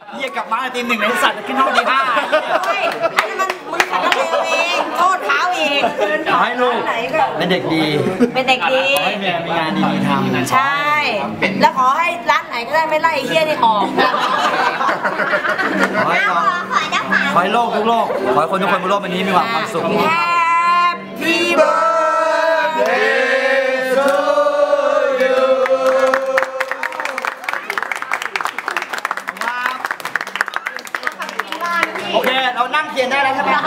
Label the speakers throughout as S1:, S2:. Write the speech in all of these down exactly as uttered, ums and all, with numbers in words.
S1: เรียกกลับมาตีหนึ่งในสัตว์ขึ้นห้องตีห้า
S2: เฮ้ยอันนี้มันมึงขัดระเบียบเองโทษเขาเอง
S1: ขอให้ลูกเป็นเด็กดี
S2: เป็นเด็กดี
S1: ขอให้แม่มีงานดีๆทำ
S2: ใช่แล้วขอให้ร้านไหนก็ได้ไม่ไล่เฮี้ยนี่ออก
S1: ขอให้ขอให้โลกทุกโลกขอให้คนทุกคนบนโลกใบนี้มีความสุข
S2: Happy birthday
S1: to you โอเคเรานั่งเทียนได้แล้วใช่ไหม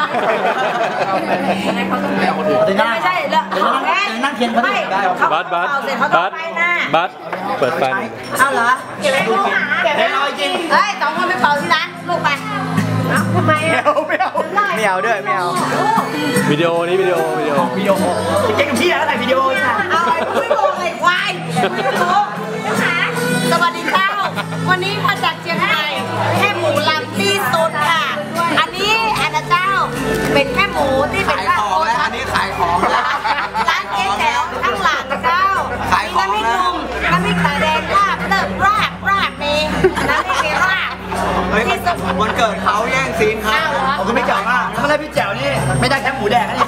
S1: ไม่ใช่แล้วนั่งเทียนเขาได้
S3: บัสบัสบัสบัสเปิดไฟ
S2: เอาเหรอเก็บไว้ลูกหาเก็บไว้รอจริงเฮ้ยสองคนไปเป่าที่ร้านลูกไปทำไมอ่ะ
S1: ไม่เอาไม่เอาด้วยไม่เอา
S3: วิดีโอนี้วิดีโอวิดีโอ
S1: วิดีโอเก่งกับพี่อะไรวิดีโอค่ะ
S2: เอาไอ้ไม่รู้ไอ้ควายไม่รู้สวัสดีเจ้าวันนี้มาจากเชียงรายแค่หมูลำที่สุดค่ะอันนี้อันนะเจ้าเป็นแค่หมูที่เป็นข้าวโอ๊ต
S1: อันนี้ขายของแล้ว
S2: ร้านเจ๊แจ๋วข้างหลังเจ้ามีน้ำพริกหนุ่มน้ำพริกตาแดงลาบเลิศรากรากมีน้ำพริกเมรากที่สุด
S1: วันเกิดเขาแย่งซีนเขาผมก็ไม่เจ๋วมากเมื่อไรพี่แจ๋วนี่ไม่ได้แค่หมูแดงนี่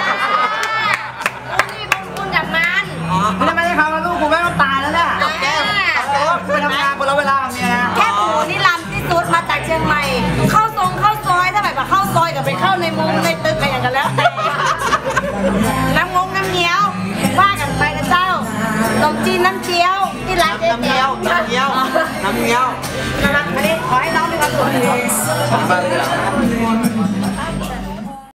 S2: นี่บุญคุณจากมัน
S1: ไม่ได้ไม่ได้เขาลูกกูไม่ต้องตายแล้วเนี่ยแก้มไปทำงานคนละเวลากับเมียนะ
S2: แค่หมูนี่ลำที่สุดมาจากเชียงใหม่เข้าทรงเข้าซอยถ้าแบบเข้าซอยกับไปเข้าในมุมในตึกอะไรอย่างกันแล้วน้ำงงน้ำเงี้ยวว่ากันไปนะเจ้าขนมจีนน้ำเจียวที่ร้านเจ๊แจ๋ว
S1: น้ำเงี้ยวน้ำเงี้ยว
S2: นะครับอันนี้ขอให้น้องมีความสุข